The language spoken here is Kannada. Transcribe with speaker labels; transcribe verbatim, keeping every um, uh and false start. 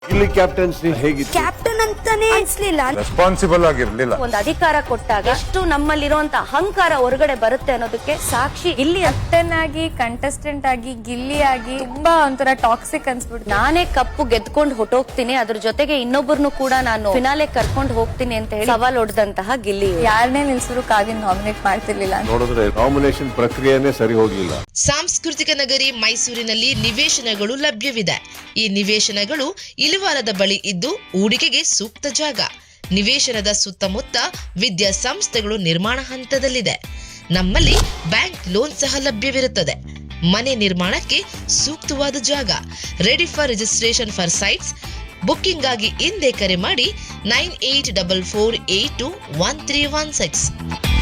Speaker 1: ಇಲ್ಲಿ ಕ್ಯಾಪ್ಟನ್ಸಿ ಹೇಗಿತ್ತು?
Speaker 2: ಕ್ಯಾಪ್ಟನ್ ಅಂತಾನೆ ಅನ್ಸ್ಲಿಲ್ಲ.
Speaker 3: ರೆಸ್ಪಾನ್ಸಿಬಲ್ ಆಗಿರ್ಲಿಲ್ಲ.
Speaker 4: ಒಂದು ಅಧಿಕಾರ ಕೊಟ್ಟಾಗ ಎಷ್ಟು ನಮ್ಮಲ್ಲಿರುವಂತ ಅಹಂಕಾರ ಹೊರಗಡೆ ಬರುತ್ತೆ ಅನ್ನೋದಕ್ಕೆ ಸಾಕ್ಷಿ ಇಲ್ಲಿ.
Speaker 2: ಕ್ಯಾಪ್ಟನ್ ಆಗಿ ಕಂಟೆಸ್ಟೆಂಟ್ ಆಗಿ ಗಿಲ್ಲಿ ಆಗಿ ತುಂಬಾ ಒಂಥರ ಟಾಕ್ಸಿಕ್ ಅನ್ಸ್ಬಿಟ್ಟು
Speaker 4: ನಾನೇ ಕಪ್ಪು ಗೆದ್ಕೊಂಡು ಹೊಟ್ಟೋಗ್ತೀನಿ, ಅದ್ರ ಜೊತೆಗೆ ಇನ್ನೊಬ್ಬರನ್ನು ಕೂಡ ನಾನು ಫಿನಾಲೆ ಕರ್ಕೊಂಡು ಹೋಗ್ತೀನಿ ಅಂತ ಹೇಳಿ ಸವಾಲ್ ಹೊಡೆದಂತಹ ಗಿಲ್ಲಿ.
Speaker 2: ಯಾರನ್ನೇ ನಿಲ್ಸಿದ್ರು ಕಾವ್ಯನ್ ನಾಮಿನೇಟ್ ಮಾಡ್ತಿರ್ಲಿಲ್ಲ.
Speaker 1: ನೋಡಿದ್ರೆ ನಾಮಿನೇಷನ್ ಪ್ರಕ್ರಿಯೆನೇ ಸರಿ ಹೋಗ್ಲಿಲ್ಲ.
Speaker 5: ಸಾಂಸ್ಕೃತಿಕ ನಗರಿ ಮೈಸೂರಿನಲ್ಲಿ ನಿವೇಶನಗಳು ಲಭ್ಯವಿದೆ. ಈ ನಿವೇಶನಗಳು ಇಲವಾರದ ಬಳಿ ಇದ್ದು ಹೂಡಿಕೆಗೆ ಸೂಕ್ತ ಜಾಗ. ನಿವೇಶನದ ಸುತ್ತಮುತ್ತ ವಿದ್ಯಾಸಂಸ್ಥೆಗಳು ನಿರ್ಮಾಣ ಹಂತದಲ್ಲಿದೆ. ನಮ್ಮಲ್ಲಿ ಬ್ಯಾಂಕ್ ಲೋನ್ ಸಹ ಲಭ್ಯವಿರುತ್ತದೆ. ಮನೆ ನಿರ್ಮಾಣಕ್ಕೆ ಸೂಕ್ತವಾದ ಜಾಗ. Ready for registration for sites. Booking ಆಗಿ ಹಿಂದೆ ಕರೆ ಮಾಡಿ nine eight double four eight two one three one six.